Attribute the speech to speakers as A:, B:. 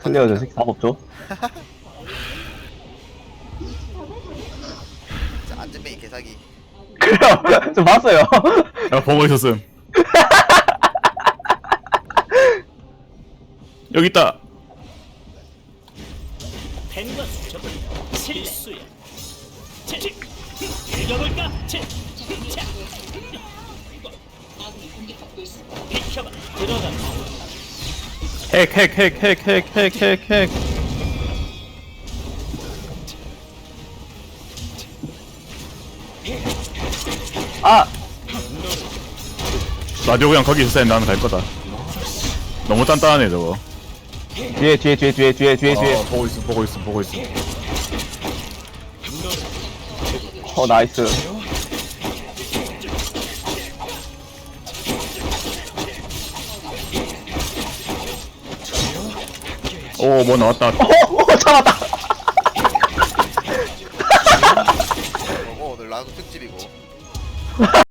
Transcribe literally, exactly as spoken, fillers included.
A: 클리어 저 새끼 답 없죠?
B: 진짜 안전뱅이 개사기.
A: 그래요. 좀 봤어요.
C: 야 보고 있었음. 여기 있다.
D: 펜과 수첩은 실수야. 치, 치, 읽어볼까? 치, 차. 비켜봐. 들어가.
C: 핵핵핵핵핵핵핵핵.
A: 아!
C: 라디오 그냥 거기 있었으면 나는 갈 거다. 너무 단단하네 저거.
A: 뒤에, 뒤에, 뒤에, 뒤에, 뒤에, 뒤에, 뒤에.
C: 어, 보고 있음 보고 있음 보고 있음.
A: 어, 나이스.
C: 오 뭐 나왔다.
A: 어, 어, 잡았다!
B: 어, 오늘 라운드 특집이고.